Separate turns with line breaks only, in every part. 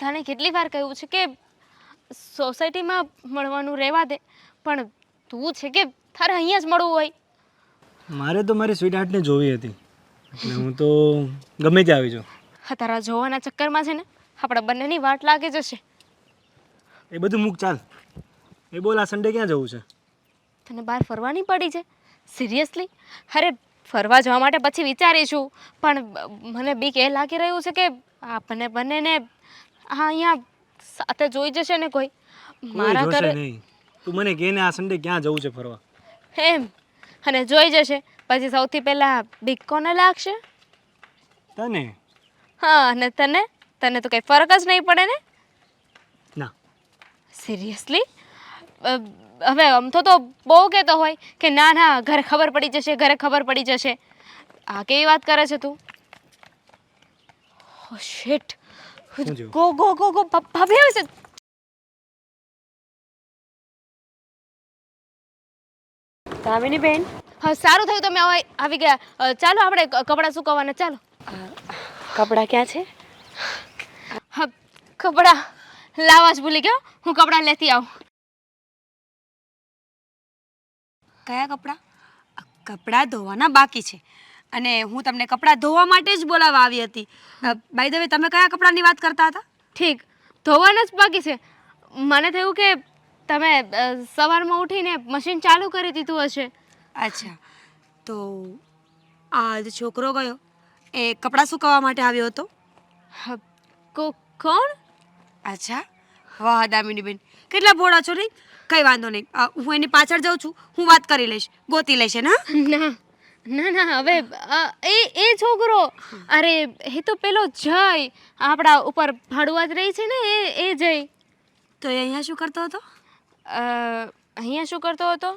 તને કેટલી વાર કહ્યું છે કે સોસાયટીમાં મળવાનું રહેવા દે, પણ તું છે કે તારે અહીંયા જ મળવું હોય.
મારે તો મારી સ્વીટ હાર્ટને જોવી હતી એટલે હું તો ગમે ત્યાં આવી જાઉં.
હા, તારા જોવાના ચક્કરમાં છે ને આપણા બંનેની વાટ લાગી જશે.
એ બધું મૂક ચાલ. એ બોલ, આ સન્ડે ક્યાં જવું છે?
તને બહાર ફરવાની પડી છે? સિરિયસલી? અરે ફરવા જવા માટે પછી વિચારીશું, પણ મને બીક એ લાગી રહ્યું છે કે આપણને બંનેને અહીંયા સાથે જોઈ જશે ને કોઈ.
કોઈ જોશે નહીં. તું મને કહે ને આ સન્ડે ક્યાં જવું છે ફરવા.
એમ, અને જોઈ જશે પછી સૌથી પહેલાં બીક કોને લાગશે?
તને?
હા, અને તને? તને તો કંઈ ફરક જ નહીં પડે ને.
ના.
સિરિયસલી? હવે આમ તો બહુ કહેતો હોય કે ના ના ઘરે ખબર પડી જશે, ઘરે ખબર પડી જશે. આ કેવી વાત કરે છે તું? Oh shit. Go go go go, ભાભી આવે છે.
દામિની બેન,
હા, સારું થયું તમે આવી ગયા. ચાલો આપણે કપડાં સુકવવાના, ચાલો.
કપડાં ક્યાં છે?
હા, કપડાં લાવવા જ ભૂલી ગયો. હું કપડાં લેતી આવું.
કયા કપડાં? કપડાં ધોવાના બાકી છે અને હું તમને કપડાં ધોવા માટે જ બોલાવવા આવી હતી. બાય ધ વે, તમે કયા કપડાંની વાત કરતા હતા?
ઠીક, ધોવાના જ બાકી છે. મને થયું કે તમે સવારમાં ઉઠીને મશીન ચાલુ કરી દીધું હશે.
અચ્છા, તો આ જે છોકરો ગયો એ કપડાં સુકવવા માટે આવ્યો હતો?
હા, કોણ?
અચ્છા, વાહ દામિની બેન, કેટલા ભોળા છો નહીં. કંઈ વાંધો નહીં, હું એની પાછળ જાઉં છું, હું વાત કરી લઈશ, ગોતી લઈશ ને.
ના ના ના, હવે એ છોકરો, અરે એ તો પેલો જય, આપણા ઉપર ભાડુઆ જ રહી છે ને, એ જય.
તો એ અહીંયા શું કરતો હતો?
અહીંયા શું કરતો હતો?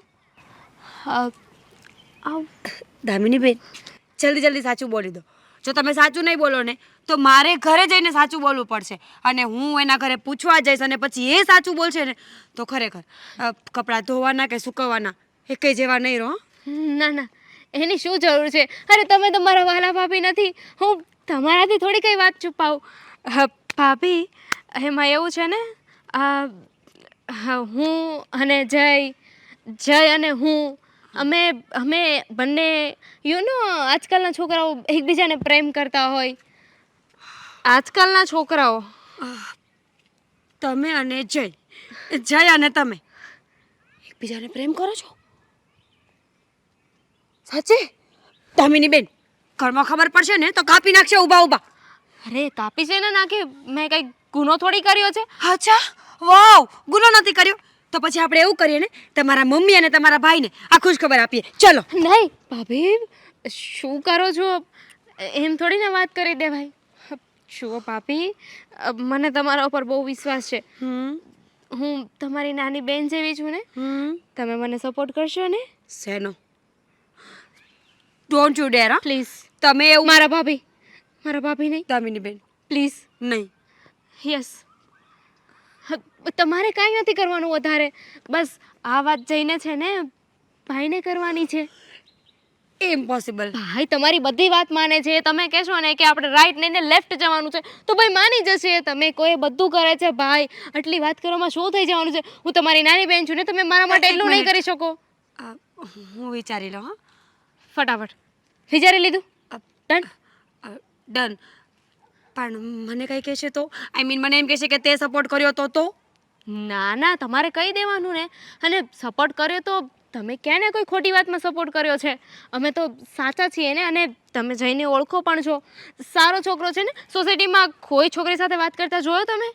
દામિની બેન, જલ્દી જલ્દી સાચું બોલી દો. જો તમે સાચું નહીં બોલો ને તો મારે ઘરે જઈને સાચું બોલવું પડશે અને હું એના ઘરે પૂછવા જઈશ અને પછી એ સાચું બોલશે ને તો ખરેખર કપડાં ધોવાના કે સૂકવવાના એ કંઈ જેવા નહીં રહો.
ના ના, એની શું જરૂર છે? અરે તમે તો મારા વાલા ભાભી નથી, હું તમારાથી થોડી કંઈ વાત છુપાવું. ભાભી, એમાં એવું છે ને, હું અને જય અને હું, અમે બંને આજકાલના છોકરાઓ એકબીજાને પ્રેમ કરતા હોય. આજકાલના છોકરાઓ.
તમે અને જય અને તમે એકબીજાને પ્રેમ કરો છો? સાચે? દામિની બેન, ઘરમાં ખબર પડશે ને તો કાપી નાખશે ઊભા ઊભા.
અરે કાપી છે ને નાખી, મેં કંઈ ગુનો થોડી કર્યો છે.
અચ્છા, વાવ, ગુનો નથી કર્યો તો પછી આપણે એવું કરીએ ને, તમારા મમ્મી અને તમારા ભાઈને આ ખુશ ખબર આપીએ. ચલો.
નહીં ભાભી, શું કરો છો? એમ થોડી ને વાત કરી દેવાય. જુઓ ભાભી, મને તમારા ઉપર બહુ વિશ્વાસ છે. હું તમારી નાની બેન જેવી છું ને, તમે મને સપોર્ટ કરશો ને?
શેનો? Don't you dare.
પ્લીઝ.
તમે એવું
મારા ભાભી નહીં.
દામિની બેન,
પ્લીઝ.
નહીં.
યસ. તમારે કાંઈ નથી કરવાનું વધારે, બસ આ વાત જઈને છે ને ભાઈને કરવાની છે.
ઇમ્પોસિબલ.
ભાઈ તમારી બધી વાત માને છે. તમે કહેશો ને કે આપણે રાઈટ નહીં ને લેફ્ટ જવાનું છે તો ભાઈ માની જશે. તમે કોઈ બધું કરે છે ભાઈ, આટલી વાત કરવામાં શું થઈ જવાનું છે? હું તમારી નાની બેન છું ને, તમે મારા માટે એટલું નહીં કરી શકો?
હું વિચારી લઉં. હા,
ફટાફટ વિચારી લીધું? ડન.
ડન. પણ મને કંઈ કહેશે તો, આઈ મીન મને એમ કહેશે કે તે સપોર્ટ કર્યો તો?
ના ના, તમારે કહી દેવાનું ને. અને સપોર્ટ કર્યો તો તમે ક્યાં ને કોઈ ખોટી વાતમાં સપોર્ટ કર્યો છે? અમે તો સાચા છીએ ને, અને તમે જઈને ઓળખો પણ છો. સારો છોકરો છે ને, સોસાયટીમાં કોઈ છોકરી સાથે વાત કરતા જોયો તમે?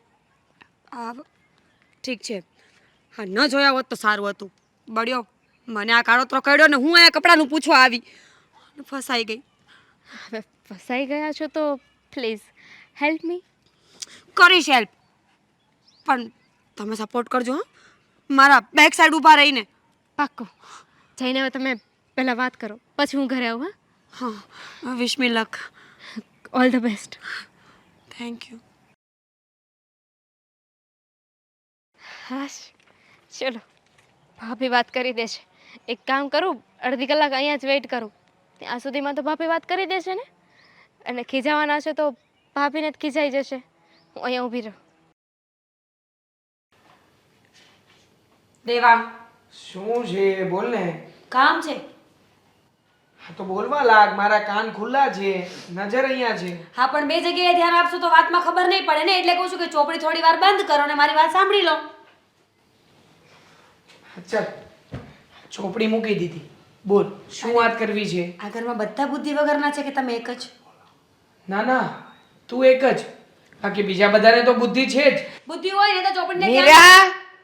ઠીક છે, હા, ન જોયા હોત તો સારું હતું. બળ્યો મને આ કાળોતરો કર્યો ને હું અહીંયા કપડાનું પૂછવા આવી, ફસાઈ ગઈ.
હવે ફસાઈ ગયા છો તો પ્લીઝ હેલ્પ મી.
કરીશ હેલ્પ, પણ તમે સપોર્ટ કરજો. હા, મારા બેક સાઈડ ઊભા રહીને.
પાક્કું. જઈને હવે તમે પહેલાં વાત કરો, પછી હું ઘરે આવું.
હા, wish me luck.
All the best.
Thank you.
હાશ, ચલો, ભાભી વાત કરી દેશે. એક કામ કરું, અડધી કલાક અહીંયા જ વેઇટ કરું. ત્યાં સુધીમાં તો ભાભી વાત કરી દેશે ને, અને ખીજાવાના છે તો ભાભીને જ ખીજાઈ જશે. હું અહીંયા ઊભી રહું.
દેવાંગ,
શું છે બોલ ને.
કામ છે.
હા તો બોલવા લાગ, મારા કાન ખુલ્લા છે, નજર અહીંયા છે.
હા, પણ બે જગ્યાએ ધ્યાન આપશો તો વાતમાં ખબર નહીં પડે ને, એટલે કહું છું કે ચોપડી થોડી વાર બંધ કરો અને મારી વાત સાંભળી લો.
ચાલ, ચોપડી મૂકી દીધી. બોલ, શું વાત કરવી છે?
આ ઘરમાં બધા બુદ્ધિ વગરના છે કે તમે એક જ?
ના ના, તું એક જ, બાકી બીજા બધાને તો બુદ્ધિ છે જ.
બુદ્ધિ હોય ને તો ચોપડીને
મીરા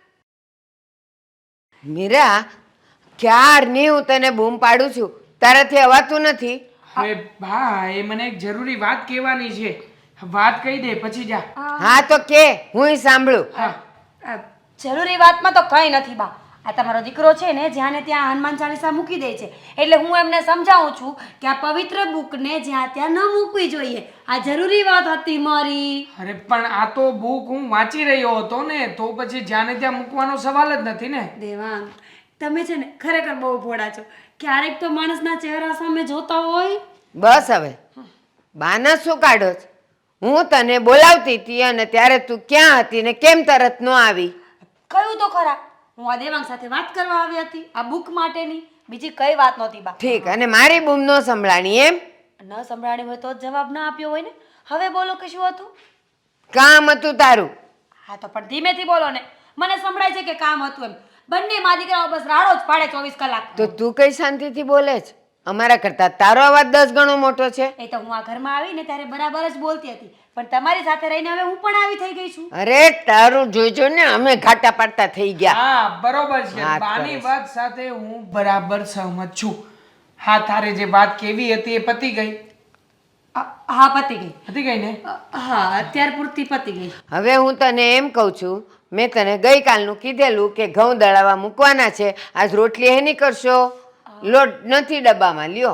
મીરા ક્યારની હું તને બૂમ પાડું છું, તારાથી અવાતું નથી.
હવે બા, એ મને એક જરૂરી વાત કહેવાની છે. વાત કહી દે પછી જા.
હા તો કે હું સાંભળું.
હા,
જરૂરી વાતમાં તો કંઈ નથી બા. આ તમારો દીકરો છે ને જ્યાં ને ત્યાં હનુમાન ચાલીસા મૂકી દે છે, એટલે હું એમને સમજાવું છું કે આ પવિત્ર બુકને જ્યાં ત્યાં ન મૂકવી જોઈએ. આ જરૂરી વાત હતી મારી.
અરે પણ આ તો બુક હું વાંચી રહ્યો હતો ને, તો પછી જ્યાં ને ત્યાં મૂકવાનો સવાલ જ નથી ને.
દેવાંગ, તમે છે ને ખરેખર બહુ ભોળા છો. ક્યારેક તો માણસના ચહેરા સામે જોતા હોય.
બસ હવે બાના શું કાઢો છો? હું તને બોલાવતી હતી અને ત્યારે તું ક્યાં હતી ને કેમ તરત ન આવી?
કયું તો ખરા, હું આ દેવાંગ સાથે વાત કરવા આવી હતી આ બુક માટેની, બીજી કઈ વાત નહોતી બા.
ઠીક, અને મારી બૂમ ન સંભળાણી એમ?
ન સંભળાણી હોય તો જ જવાબ ના આપ્યો હોય ને. હવે બોલો કે શું હતું?
કામ હતું તારું.
હા તો પણ ધીમેથી બોલો ને, મને સંભળાય છે કે કામ હતું એમ. બંને મા દીકરાઓ બસ રાડો જ પાડે 24 કલાક.
તો તું કઈ શાંતિથી બોલે છે? અમારા કરતા તારો અવાજ 10 ગણો મોટો છે.
એ તો હું આ ઘરમાં આવીને ત્યારે બરાબર જ બોલતી હતી, પણ તમારી સાથે રહીને હવે હું પણ આવી થઈ ગઈ છું.
અરે તારું જોઈજો ને, અમે ઘાટા પાડતા થઈ ગયા.
હા બરોબર છે,
વાત
બાની
કરે છે.
વાત સાથે હું બરાબર સહમત છું. હા, તારે જે વાત કેવી હતી એ પતી ગઈ.
હા, પતી ગઈ.
પતી ગઈ ને?
હા, અત્યાર પૂરતી પતી ગઈ.
હવે હું તને એમ કહું છું, મેં તને ગઈકાલનું કીધેલું કે ઘઉં દળાવા મૂકવાના છે, આજ રોટલી હેની કરશો? લોટ નથી ડબ્બામાં, લ્યો.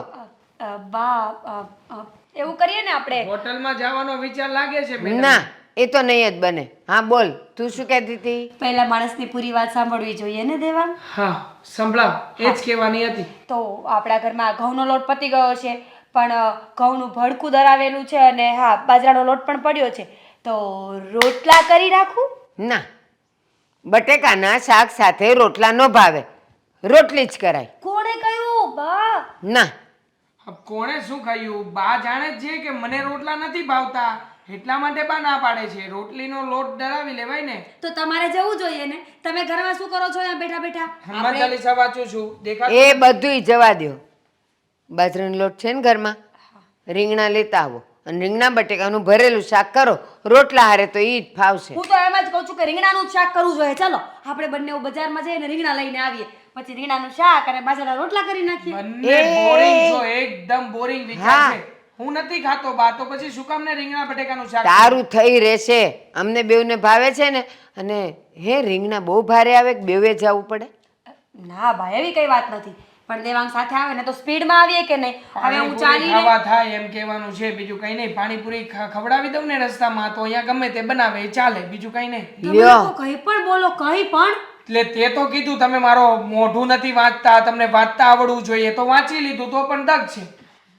બા, એવું કરીએ ને આપણે.
હોટલમાં જવાનો વિચાર લાગે છે મેડમ?
ના, એ તો નહીં જ બને. હા બોલ, તું શું કહેતી હતી?
પહેલા માણસની પૂરી વાત સાંભળવી જોઈએ ને દેવાંગ.
હા સંભળાવ, એ જ કહેવાની હતી.
તો આપણા ઘરમાં ઘઉંનો લોટ પતી ગયો છે, પણ ઘઉંનું ભડકું દરાવેલું છે અને હા બાજરાનો લોટ પણ પડ્યો છે, તો રોટલા કરી રાખું?
ના, બટેકાના શાક સાથે રોટલા ન ભાવે, રોટલી જ કરાય.
કોણે કહ્યું બા?
ના,
હવે કોણે શું કહ્યું? બા જાણે જ છે કે મને રોટલા નથી ભાવતા, એટલા માટે બા ના પાડે છે. રોટલીનો લોટ દળાવી લેવાય ને.
તો તમારે જવું જોઈએ ને. તમે ઘરમાં શું કરો છો અહીંયા બેઠા બેઠા?
હનુમાન ચાલીસા વાંચું છું, દેખાતું?
એ બધુંય જવા દ્યો. બાજરાનો લોટ છે ને ઘરમાં, રીંગણા લેતા આવો અને રીંગણા બટેકાનું ભરેલું શાક કરો, રોટલા હારે તો ઈ જ ફાવશે.
હું તો એમ જ કહું છું કે રીંગણાનું જ શાક કરવું જોઈએ. ચાલો આપણે બંને બજારમાં જઈને રીંગણા લઈને આવીએ, પછી રીંગણાનું શાક અને બાજરાના રોટલા કરી નાખીએ.
બંને બોરિંગ છો, એકદમ બોરિંગ વિચાર
હા.
છે. હું નથી ખાતો બા, તો પછી શું કામ ને રીંગણા બટેકાનું શાક?
તારું થઈ રહેશે, અમને બેવને ભાવે છે ને. અને હે રીંગણા બહુ ભારે આવે કે બેવે જવું પડે?
ના ભાઈ, એવી કઈ વાત નથી, પણ દેવાંગ સાથે આવે ને તો સ્પીડમાં આવીએ કે નહીં. હવે હું
પાણીપુરી
ચાલીને
ખાવા થાય એમ કહેવાનું છે, બીજું કઈ નહીં. પાણીપુરી ખવડાવી દઉં ને રસ્તામાં, તો અહીંયા ગમે તે બનાવે એ ચાલે, બીજું કઈ નહીં.
તમે
લ્યો.
લોકો કંઈ પણ બોલો, કંઈ પણ.
એટલે તે તો કીધું તમે મારો મોઢું નથી વાંચતા, તમને વાંચતા આવડવું જોઈએ, તો વાંચી લીધું, તો પણ દગ છે.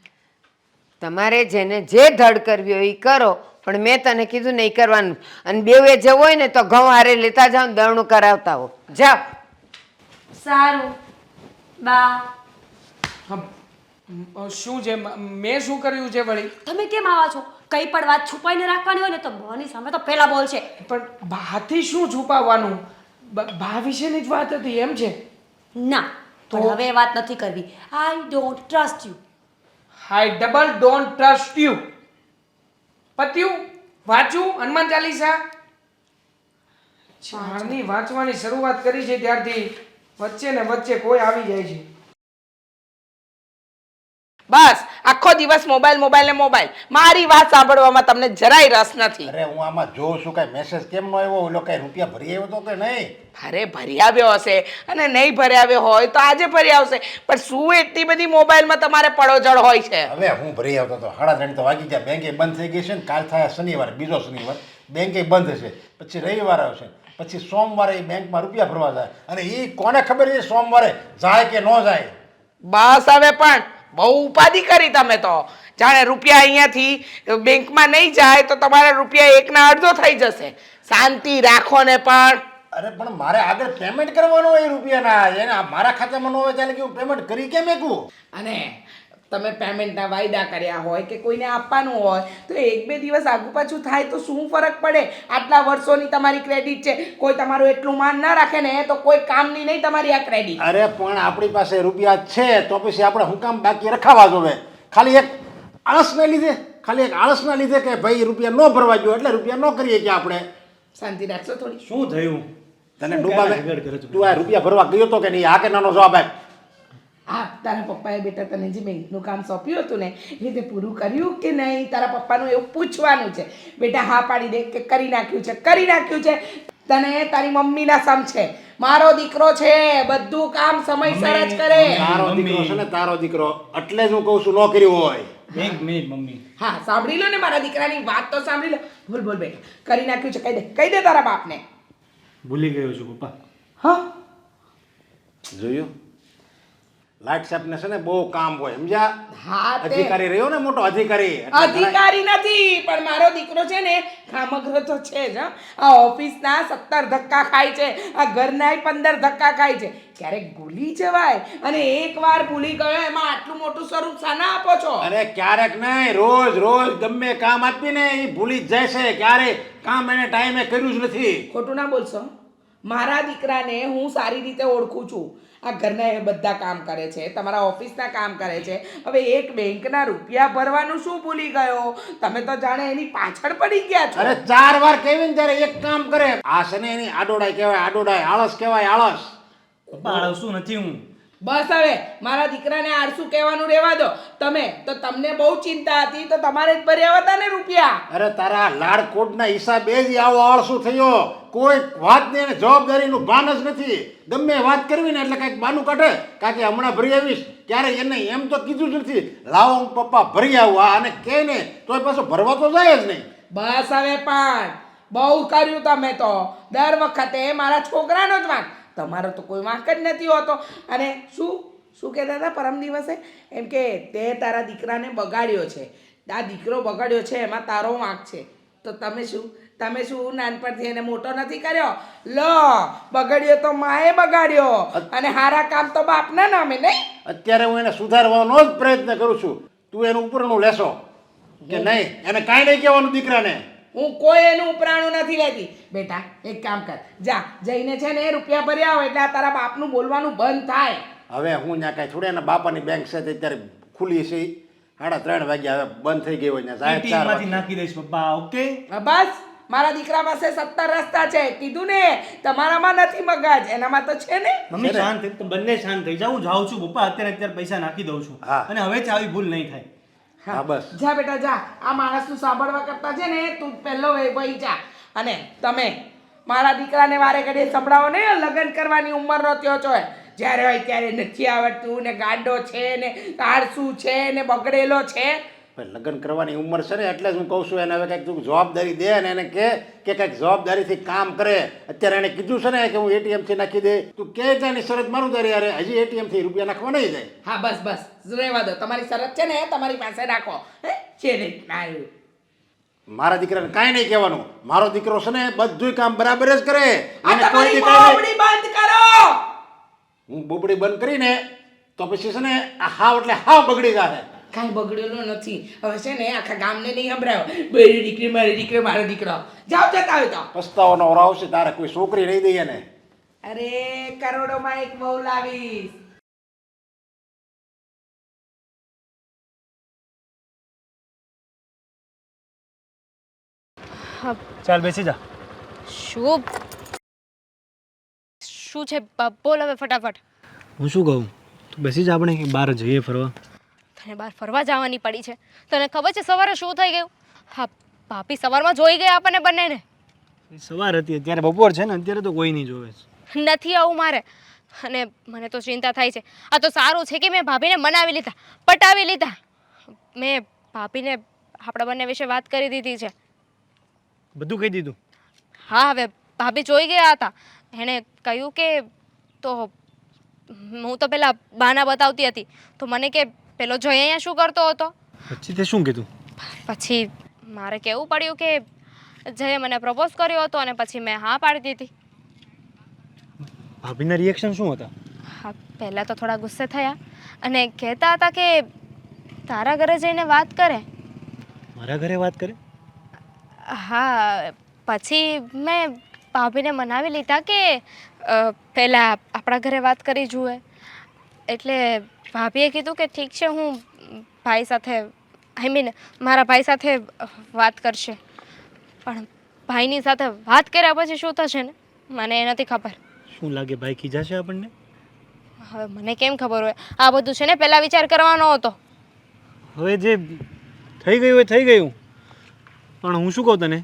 તમારે જેને જે ધડ કરવી હોય એ કરો, પણ મેં તને કીધું ને એ કરવાનું. અને બેવે જવું હોય ને તો ઘઉં હારે લેતા જાઓ ને દળનું કરાવતા હો. જાઓ.
સારું બા.
શું છે? મેં શું કર્યું છે વળી?
તમે કેમ આવા છો? કઈ પણ વાત છુપાઈને રાખવાની હોય ને તો બની સામે તો પહેલા બોલશે.
પણ બાથી શું છુપાવવાનું? બા વિશેની જ વાત હતી એમ છે?
ના, તો હવે એ વાત નથી કરવી. I don't trust you.
I double don't trust you. પત્યું? વાંચું હનુમાન ચાલીસા? ચારની વાંચવાની શરૂઆત કરી છે ત્યારથી વચ્ચે ને વચ્ચે કોઈ આવી જાય છે.
બસ આખો દિવસ મોબાઈલ મોબાઈલ ને મોબાઈલ. મારી વાત સાંભળવામાં તમને જરાય રસ નથી.
અરે હું આમાં જોઉં છું કઈ મેસેજ કેમ નો આવ્યો? ઓલો કઈ રૂપિયા ભરી આવ્યો તો કે નહીં?
અરે ભરી આવ્યો હશે અને નહીં ભરી આવ્યો હોય તો આજે ભરી આવશે, પણ શું એટલી બધી મોબાઈલમાં તમારે પડોજળ હોય છે?
હવે હું ભરી આવતો હતો, 3:30 તો વાગી ગયા. બેંકે બંધ થઈ ગઈ છે ને, કાલ થાય શનિવાર, બીજો શનિવાર બેંકે બંધ છે, પછી રવિવાર આવશે, પછી સોમવારે એ બેંકમાં રૂપિયા ભરવા જાય. અને એ કોને ખબર છે સોમવારે જાય કે ન જાય?
બસ હવે પણ બહુ ઉપાધિ કરી તમે તો. જાણે રૂપિયા અહીંયાથી બેંકમાં નહીં જાય તો તમારા રૂપિયા 1/2 થઈ જશે. શાંતિ રાખો ને. પણ
અરે પણ મારે આગળ પેમેન્ટ કરવાનું હોય એ રૂપિયાના એને મારા ખાતામાં ન હોય ત્યારે કે હું પેમેન્ટ કરી કેમ એકું?
અને તમે પેમેન્ટના વાયદા કર્યા હોય કે કોઈને આપવાનું હોય તો એક બે દિવસ આગુ પાછું થાય તો શું ફરક પડે? આટલા વર્ષોની તમારી ક્રેડિટ છે, કોઈ તમારું એટલું માન ના રાખે ને તો કોઈ કામની નહીં તમારી આ ક્રેડિટ.
અરે પણ આપણી પાસે રૂપિયા છે તો પછી આપણે હું કામ બાકી રખાવા જોવે? ખાલી એક આળસને લીધે, ખાલી એક આળસના લીધે કે ભાઈ રૂપિયા ન ભરવા જોઈએ એટલે રૂપિયા ન કરીએ કે આપણે.
શાંતિ રાખશો થોડી?
શું થયું?
તને
શું
ડૂબા
ક્યારે આગળ કરે છે?
તું આ રૂપિયા ભરવા ગયો તો કે નહીં? આ કે નાનો જવાબ આપ.
હા, તારા પપ્પાએ બેટા તને જે બેંકનું કામ સોંપ્યું હતું ને એ તે પૂરું કર્યું કે નહીં? તારા પપ્પાનું એવું પૂછવાનું છે. બેટા હા પાડી દે કે કરી નાખ્યું છે, કરી નાખ્યું છે. તને તારી મમ્મીના સમ છે. મારો દીકરો છે, બધું કામ સમયસર જ કરે.
તારો દીકરો છે ને, તારો દીકરો એટલે જ હું કહું છું ન કર્યું હોય.
એક મિનિટ મમ્મી.
હા, સાંભળી લો ને મારા દીકરાની વાત તો સાંભળી લો. બોલ બોલ બેટા, કરી નાખ્યું છે, કહી દે તારા બાપને.
ભૂલી ગયો છું પપ્પા.
હા,
જોયું? લાઈટ સાહેબને છે ને બહુ કામ હોય, સમજ્યા?
હા તે
અધિકારી રહ્યો ને, મોટો અધિકારી. એટલે ઘણા-
અધિકારી નથી પણ મારો દીકરો છે ને કામગ્ર તો છે જ. હં. આ ઓફિસના 17 ધક્કા ખાય છે, આ ઘરના 15 ધક્કા ખાય છે. ક્યારેક ભૂલી જવાય અને એકવાર ભૂલી ગયો એમાં આટલું મોટું સ્વરૂપ શાના આપો છો?
અરે ક્યારેક નહીં, રોજ રોજ ગમે કામ આપીને એ ભૂલી જ જાય છે. ક્યારે કામ એને ટાઈમે કર્યું જ નથી.
ખોટું ના બોલશો. મારા દીકરાને હું સારી રીતે ઓળખું છું. આ ઘરના એ બધા કામ કરે છે, તમારા ઓફિસના કામ કરે છે. હવે એક બેંકના રૂપિયા ભરવાનું શું ભૂલી ગયો? તમે તો જાણે એની પાછળ પડી ગયા છો.
અરે 4 વાર કહેવી ને ત્યારે એક કામ કરે. આ છે ને એની આડોડાઈ કહેવાય, આડોડાઈ. આળસ કહેવાય, આળસ.
પપ્પા આળસું નથી હું.
બસ હવે મારા દીકરાને આળસુ કહેવાનું રહેવા દો. તમે તો તમને બહુ ચિંતા હતી તો તમારે જ ભર્યા હતા ને રૂપિયા.
અરે તારા લાડકોટના હિસાબે જ આવો આળસુ થયો. કોઈ વાતની એને જવાબદારીનું ભાન જ નથી. ગમે વાત કરવી ને એટલે કાંઈક બાનું કાઢે, કારણ કે હમણાં ભરી આવીશ. ક્યારે એને એમ તો કીધું જ નથી લાવો હું પપ્પા ભરી આવું. અને કહે ને તોય પાછો ભરવા તો જાય જ નહીં.
બસ હવે પણ બહુ કર્યું તમે તો. દર વખતે મારા છોકરાનો જ વાંક, તમારો તો કોઈ વાંક જ નથી હોતો. અને શું કહેતા હતા પરમ દિવસે? એમ કે તે તારા દીકરાને બગાડ્યો છે. આ દીકરો બગાડ્યો છે એમાં તારો વાંક છે. તો તમે શું નાનપણથી એને મોટો નથી કર્યો? લો, બગાડ્યો તો માએ બગાડ્યો અને હારા કામ તો બાપના નામે નહીં.
અત્યારે હું એને સુધારવાનો જ પ્રયત્ન કરું છું. તું એનું ઉપરનું લેશો કે નહીં? એને કાંઈ નહીં કહેવાનું દીકરાને.
હું કોઈ એનું ઉપરાણું નથી લેતી. બેટા એક કામ કર, જા જઈને છે ને રૂપિયા ભર્યા હોય એટલે આ તારા બાપનું બોલવાનું બંધ થાય.
હવે હું ત્યાં કાંઈ થોડી એના બાપાની બેંક છે તે અત્યારે ખુલી છે. 3:30 વાગ્યા હવે બંધ થઈ ગઈ હોય ને સાહેબ 4
માંથી નાખી દઈશ પપ્પા. ઓકે.
બસ મારા દીકરા પાસે 17 રસ્તા છે. કીધું ને તમારામાં નથી મગજ, એનામાં તો છે ને.
મમ્મી શાંત થઈ, તમે બંને શાંત થઈ જાઓ. હું જાઉં છું પપ્પા. અત્યારે પૈસા નાખી દઉં છું.
હા.
અને હવે આવી ભૂલ નહીં થાય.
હા બસ.
જા બેટા જા. આ માણસનું સાંભળવા કરતા છે ને તું પહેલો વહી જા. અને તમે મારા દીકરાને વારે ઘડીએ સંભળાવો ને લગ્ન કરવાની ઉંમરનો થયો છો. જ્યારે હોય ત્યારે નથી આવડતું ને ગાંડો છે ને આળસુ છે ને બગડેલો છે.
પણ લગ્ન કરવાની ઉંમર છે ને એટલે જ હું કહું છું એને હવે કંઈક તું જવાબદારી દે ને એને કે કંઈક જવાબદારીથી કામ કરે. અત્યારે એને કીધું છે ને કે હું એટીએમથી નાખી દે. તું કે ત્યાંની શરત મારું તારી યાર હજી એટીએમથી રૂપિયા નાખવા નહીં જાય.
હા બસ રહેવા દો. તમારી શરત છે ને તમારી પાસે રાખો. હે છે ને આવ્યું.
મારા દીકરાને કાંઈ નહીં કહેવાનું. મારો દીકરો છે ને બધુંય કામ બરાબર જ કરે.
આ
એને કોઈ
તમારી
દી કાંઈ નહીં.
બોબડી બંધ કરો.
હું બોબડી બંધ કરીને તો પછી છે ને આ હાવ એટલે હાવ બગડી જાય.
કાંઈ બગડેલો નથી. હવે છે ને આખા ગામને નહીં સંભળાયો મારી દીકરી મારી દીકરી મારો દીકરો. જાઓ જતા હોય તો.
પસ્તાવાનો ઓર આવશે તારે કોઈ છોકરી નહીં દઈએ ને.
અરે કરોડોમાં એક બહુ લાવીશ.
ચાલ બેસી જા.
શું શું છે? બોલ હવે ફટાફટ.
હું શું કહું? તું બેસી જા, આપણે બહાર જઈએ ફરવા.
તને બહાર ફરવા જવાની પડી છે? તને ખબર છે સવારે શું થઈ ગયું? હા, ભાભી સવારમાં જોઈ ગયા આપણને બંનેને.
સવાર હતી, અત્યારે બપોર છે ને, અત્યારે તો કોઈ નહીં જોવે.
નથી આવું મારે. અને મને તો ચિંતા થાય છે. આ તો સારું છે કે મેં ભાભીને મનાવી લીધા, પટાવી લીધા. મેં ભાભીને આપણા બંને વિશે વાત કરી દીધી છે.
બધું કહી દીધું?
હા, હવે ભાભી જોઈ ગયા હતા. એણે કહ્યું કે તો હું તો પેલા બાના બતાવતી હતી તો મને કે પેલો જય અહીંયા શું કરતો હતો.
પછી તે શું કીધું?
પછી મારે કહેવું પડ્યું કે જયે મને પ્રપોઝ કર્યો હતો અને પછી મેં હા પાડી દીધી.
ભાભીના રિએક્શન શું હતા?
હા, પહેલાં તો થોડા ગુસ્સે થયા અને કહેતા હતા કે તારા ઘરે જઈને વાત કરે.
મારા ઘરે વાત કરે?
હા, પછી મેં ભાભીને મનાવી લીધા કે પહેલાં આપણા ઘરે વાત કરી જુએ. એટલે ભાભીએ કીધું કે ઠીક છે, હું ભાઈ સાથે મારા ભાઈ સાથે વાત કરશે. પણ ભાઈની સાથે વાત કર્યા પછી શું થશે ને મને એ નથી ખબર.
શું લાગે ભાઈ ખીજાશે આપણને?
હવે મને કેમ ખબર હોય? આ બધું છે ને પહેલાં વિચાર કરવાનો હતો.
હવે જે થઈ ગયું એ થઈ ગયું. પણ હું શું કહું તને,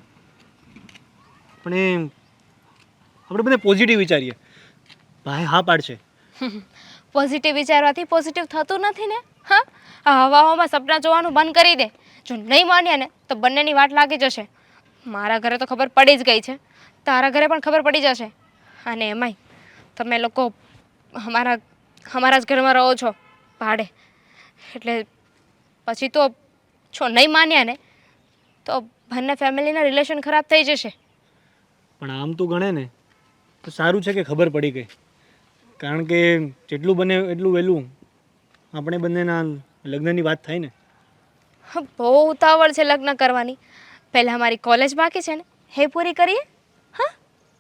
પણ એ આપણે બધા પોઝિટિવ વિચારીએ. ભાઈ હા પાડશે.
પોઝિટિવ વિચારવાથી પોઝિટિવ થતું નથી ને. હા, આ હવામાં સપના જોવાનું બંધ કરી દે. જો નહીં માન્યા ને તો બંનેની વાટ લાગી જશે. મારા ઘરે તો ખબર પડી જ ગઈ છે, તારા ઘરે પણ ખબર પડી જશે. અને એમાંય તમે લોકો અમારા જ ઘરમાં રહો છો ભાડે, એટલે પછી તો જો નહીં માન્યા ને તો બંને ફેમિલીના રિલેશન ખરાબ થઈ જશે.
પણ આમ તું ગણે ને તો સારું છે કે ખબર પડી ગઈ. કારણ કે જેટલું બને એટલું વહેલું આપણે બંનેના લગ્નની વાત થાય ને.
હા, બહુ ઉતાવળ છે લગ્ન કરવાની. પહેલાં મારી કોલેજ બાકી છે ને એ પૂરી કરીએ. હા,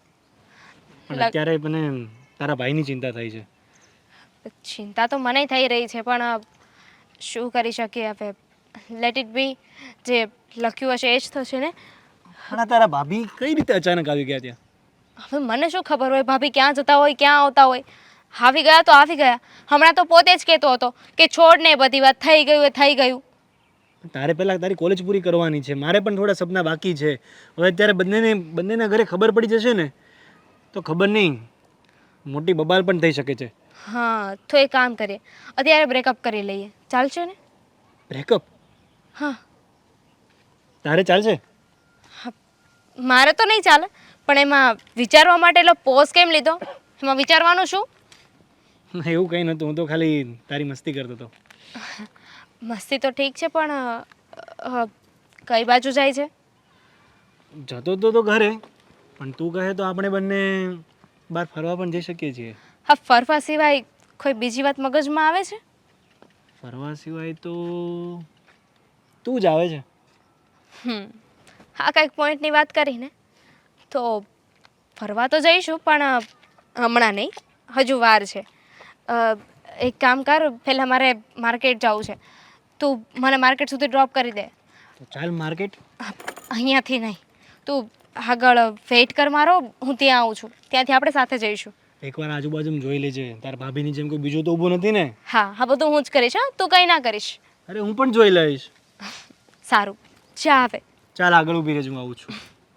પણ અત્યારે મને તારા ભાઈની ચિંતા થઈ છે.
ચિંતા તો મને થઈ રહી છે, પણ શું કરી શકીએ હવે. Let it be. જે લખ્યું હશે એ જ થશે ને.
પણ આ તારા ભાભી કઈ રીતે અચાનક આવી ગયા ત્યાં?
હવે મને શું ખબર હોય ભાભી ક્યાં જતા હોય, ક્યાં આવતા હોય. આવી ગયા તો આવી ગયા. હમણાં તો પોતે જ કહેતો હતો કે છોડ ને બધી વાત, થઈ ગયું એ થઈ ગયું.
તારે પહેલાં તારી કોલેજ પૂરી કરવાની છે, મારે પણ થોડા સપના બાકી છે. હવે અત્યારે બંનેના ઘરે ખબર પડી જશે ને તો ખબર નહીં, મોટી બબાલ પણ થઈ શકે છે.
હા, તો એક કામ કરીએ, અત્યારે બ્રેકઅપ કરી લઈએ. ચાલશે ને?
બ્રેકઅપ?
હા.
તારે ચાલશે?
મારે તો નહીં ચાલે, પણ એમાં વિચારવા માટે એટલો પોઝ કેમ લીધો? એમાં વિચારવાનું શું?
એવું કંઈ નહોતું, હું તો ખાલી તારી મસ્તી કરતો હતો.
મસ્તી તો ઠીક છે, પણ કઈ બાજુ જાય છે?
જતો તો ઘરે, પણ તું કહે તો આપણે બંને બહાર ફરવા પણ જઈ શકીએ છીએ.
હા, ફરવા સિવાય કોઈ બીજી વાત મગજમાં આવે છે?
ફરવા સિવાય તો તું જ આવે છે.
હા, કંઈક પોઈન્ટની વાત કરીને તો ફરવા તો જઈશું, પણ હમણાં નહીં, હજુ વાર છે. એક કામ કર, પહેલાં મારે માર્કેટ જવું છે. તું મને માર્કેટ સુધી ડ્રોપ કરી દે.
તો ચાલ માર્કેટ.
અહીંયાથી નહીં, તું આગળ વેઇટ કર મારો, હું ત્યાં આવું છું. ત્યાંથી આપણે સાથે જઈશું.
એકવાર આજુબાજુમાં જોઈ લેજે, તારા ભાભીની જેમ કોઈ બીજો તો ઊભો નથી ને?
હા, હા, બધું હું જ કરીશ. હા, તું કંઈ ના કરીશ.
અરે હું પણ જોઈ લઈશ.
સારું, જા હવે.
ચાલ આગળ ઊભી રહેજો, હું આવું છું.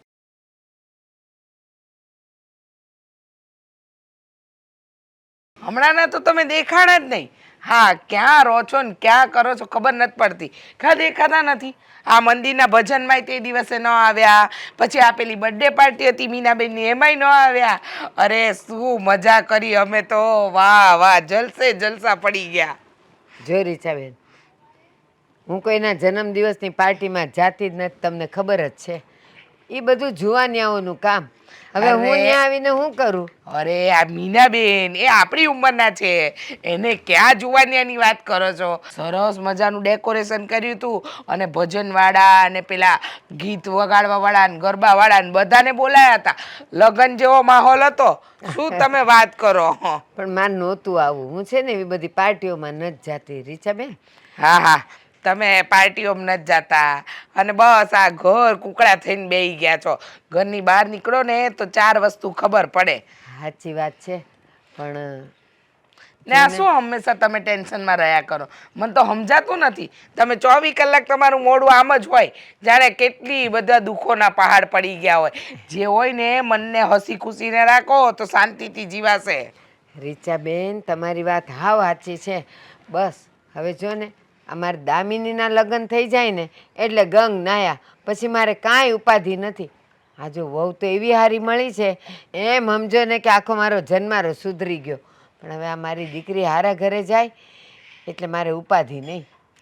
હમણાંના તો તમે દેખાણા જ નહીં. હા, ક્યાં રહો છો ને ક્યાં કરો છો ખબર નથી પડતી. દેખાતા નથી. આ મંદિરના ભજનમાં તે દિવસે ન આવ્યા, પછી આ પેલી બર્થડે પાર્ટી હતી મીનાબેનની, એમાંય ન આવ્યા. અરે શું મજા કરી અમે તો, વાહ વાહ, જલસે જલસા પડી ગયા.
જો રીચાબેન, હું કોઈના જન્મદિવસની પાર્ટીમાં જાતી જ નથી, તમને ખબર જ છે. એ બધું જુવાનિયાઓનું કામ. હવે હું ત્યાં આવીને શું કરું?
અરે આ મીનાબેન એ આપણી ઉંમરના છે, એને ક્યાં જુવાનિયાની વાત કરો છો? સરસ મજાનું ડેકોરેશન કર્યું હતું, અને ભજનવાળા અને પેલા ગીત વગાડવાવાળા ને ગરબાવાળા ને બધાને બોલાયા હતા. લગ્ન જેવો માહોલ હતો. શું તમે વાત કરો?
પણ મારે નહોતું આવું. હું છે ને એવી બધી પાર્ટીઓમાં નથી જાતી રીચાબેન.
હા હા, તમે પાર્ટીઓમાં નથી જતા અને બસ આ ઘર કુકડા થઈને બેસી ગયા છો. ઘરની બહાર નીકળો ને તો 4 વસ્તુ ખબર પડે.
સાચી વાત છે, પણ
ને આ શું હંમેશા તમે ટેન્શનમાં રહ્યા કરો? મને તો સમજાતું નથી. તમે 24 કલાક તમારું મોઢું આમ જ હોય, જાણે કેટલી બધા દુઃખોના પહાડ પડી ગયા હોય. જે હોય ને મનને હસી ખુશીને રાખો તો શાંતિથી જીવાશે.
રીચાબેન, તમારી વાત હાવ સાચી છે. બસ હવે જો ને અમારે દામિનીના લગ્ન થઈ જાય ને એટલે ગંગ નાયા, પછી મારે કાંઈ ઉપાધિ નથી. આ જો વહુ તો એવી હારી મળી છે, એમ સમજો ને કે આખો મારો જન્મારો સુધરી ગયો. પણ હવે આ મારી દીકરી હારા ઘરે જાય એટલે મારે ઉપાધિ નહીં.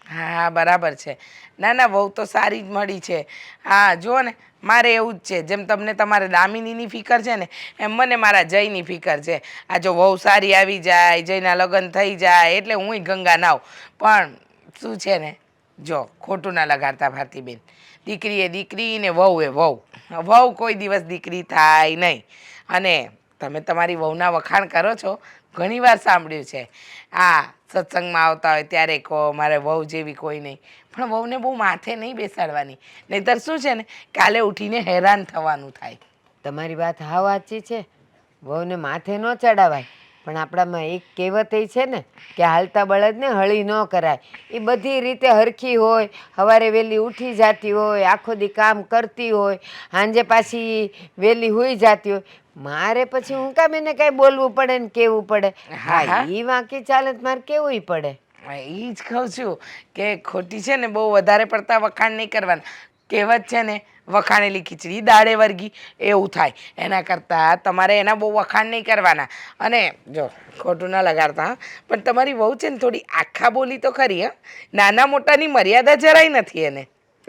હા બરાબર છે. ના ના વહુ તો સારી જ મળી છે. હા જુઓ ને મારે એવું જ છે, જેમ તમને તમારે દામિનીની ફિકર છે ને એમ મને મારા જયની ફિકર છે. આ જો વહુ સારી આવી જાય, જયના લગ્ન થઈ જાય એટલે હુંય ગંગા નાવ. પણ શું છે ને, જો ખોટું ના લગાડતા ભારતીબેન, દીકરી એ દીકરી ને વહુ એ વહુ. વહુ કોઈ દિવસ દીકરી થાય નહીં. અને તમે તમારી વહુના વખાણ કરો છો, ઘણી વાર સાંભળ્યું છે. સત્સંગમાં આવતા હોય ત્યારે કહો મારે વહુ જેવી કોઈ નહીં. પણ વહુને બહુ માથે નહીં બેસાડવાની, નહીંતર શું છે ને કાલે ઉઠીને હેરાન થવાનું થાય.
તમારી વાત હાવ સાચી છે. વહુને માથે ન ચડાવાય, પણ આપણામાં એક કહેવત એ છે ને કે હાલતા બળદને હળી ન કરાય. એ બધી રીતે હરખી હોય, સવારે વહેલી ઉઠી જતી હોય, આખો દી કામ કરતી હોય, સાંજે પાછી વહેલી હોઈ જતી હોય. મારે પછી હું કામ એને કાંઈ બોલવું પડે ને કહેવું પડે? હા, એ વાંકી ચાલે તો મારે કેવુંય પડે.
એ જ કહું છું કે ખોટી છે ને બહુ વધારે પડતા વખાણ નહીં કરવાના. કહેવત છે ને વખાણેલી ખીચડી દાળે વર્ગી એવું થાય. એના કરતાં તમારે એના બહુ વખાણ નહીં કરવાના. અને જો ખોટું ના લગાડતા હા, પણ તમારી વહુ છે ને થોડી આખા બોલી તો ખરી. હા, નાના મોટાની મર્યાદા જરાય નથી એને.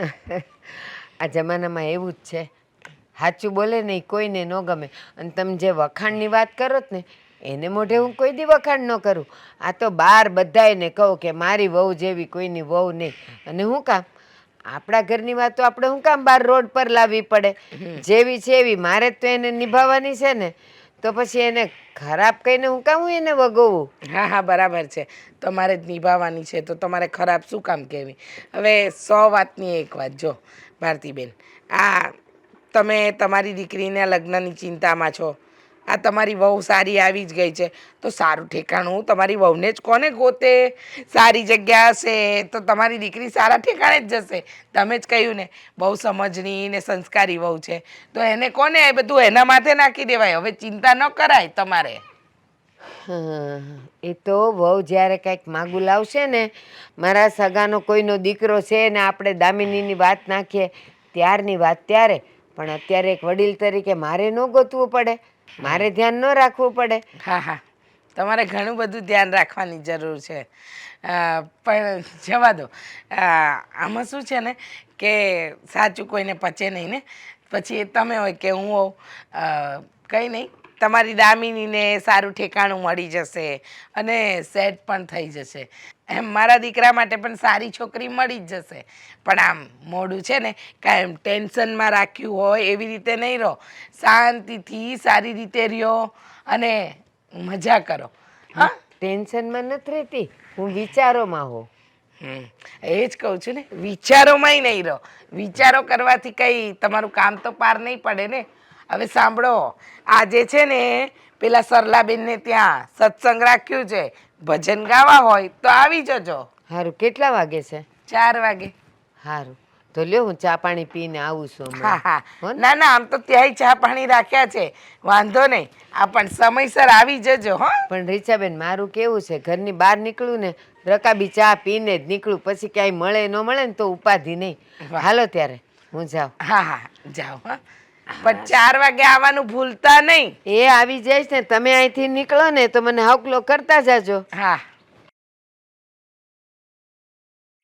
આ જમાનામાં એવું જ છે. સાચું બોલે ને એ કોઈને ન ગમે. અને તમે જે વખાણની વાત કરો ને એને મોઢે હું કોઈ દી વખાણ ન કરું. આ તો બહાર બધાને કહું કે મારી વહુ જેવી કોઈની વહુ નહીં. અને હું કામ આપણા ઘરની વાતો આપણે શું કામ બહાર રોડ પર લાવવી પડે? જેવી છે એવી મારે જ તો એને નિભાવવાની છે ને, તો પછી એને ખરાબ કહીને હું કામ હું એને વગોવું?
હા હા બરાબર છે. તમારે જ નિભાવવાની છે તો તમારે ખરાબ શું કામ કહેવી? હવે 100 વાતની એક વાત જો ભારતીબેન, તમે તમારી દીકરીના લગ્નની ચિંતામાં છો. તમારી વહુ સારી આવી જ ગઈ છે તો સારું ઠેકાણું તમારી વહુને જ કોને ગોતે? સારી જગ્યા હશે તો તમારી દીકરી સારા ઠેકાણે જ જશે. તમે જ કહ્યું ને બહુ સમજણી ને સંસ્કારી વહુ છે તો એને કોને એ બધું એના માથે નાખી દેવાય. હવે ચિંતા ન કરાય તમારે.
એ તો વહુ જ્યારે કંઈક માગું લાવશે ને, મારા સગાનો કોઈનો દીકરો છે ને આપણે દામિનીની વાત નાખીએ ત્યારની વાત ત્યારે. પણ અત્યારે એક વડીલ તરીકે મારે ન ગોતવું પડે? મારે ધ્યાન ન રાખવું પડે?
હા તમારે ઘણું બધું ધ્યાન રાખવાની જરૂર છે. પણ જવા દો. આમાં શું છે ને કે સાચું કોઈને પચે નહીં ને, પછી એ તમે હોય કે હું હોઉં, કંઈ નહીં. તમારી દામિનીને સારું ઠેકાણું મળી જશે અને સેટ પણ થઈ જશે. એમ મારા દીકરા માટે પણ સારી છોકરી મળી જ જશે. પણ આમ મોડું છે ને કાંઈ ટેન્શનમાં રાખ્યું હોય એવી રીતે નહીં રહો. શાંતિથી સારી રીતે રહ્યો અને મજા કરો. હા,
ટેન્શનમાં નથી રહેતી, હું વિચારોમાં હોઉં.
એ જ કહું છું ને, વિચારોમાંય નહીં રહો. વિચારો કરવાથી કંઈ તમારું કામ તો પાર નહીં પડે ને. હવે સાંભળો, આજે છે ને પેલા સરલાબેનને ત્યાં સત્સંગ રાખ્યું છે. ભજન ગાવા હોય તો આવી જજો.
સારું, કેટલા વાગે છે?
4 વાગે.
સારું, તો લ્યો હું ચા પાણી પીને આવું છું હમણાં.
હા ના ના, આમ તો ત્યાંય ચા પાણી રાખ્યા છે, વાંધો નહીં. પણ સમયસર આવી જજો. હા
પણ રીચાબેન, મારું કેવું છે, ઘરની બહાર નીકળું ને રકાબી ચા પીને જ નીકળું. પછી ક્યાંય મળે ન મળે ને તો ઉપાધિ નહીં. હાલો ત્યારે હું જાઉં.
હા જાઓ. હા પણ 4 વાગે આવવાનું ભૂલતા નહીં.
એ આવી જઈશ ને, તમે અહીંથી નીકળો ને તો મને હકલો કરતા જાજો.
હા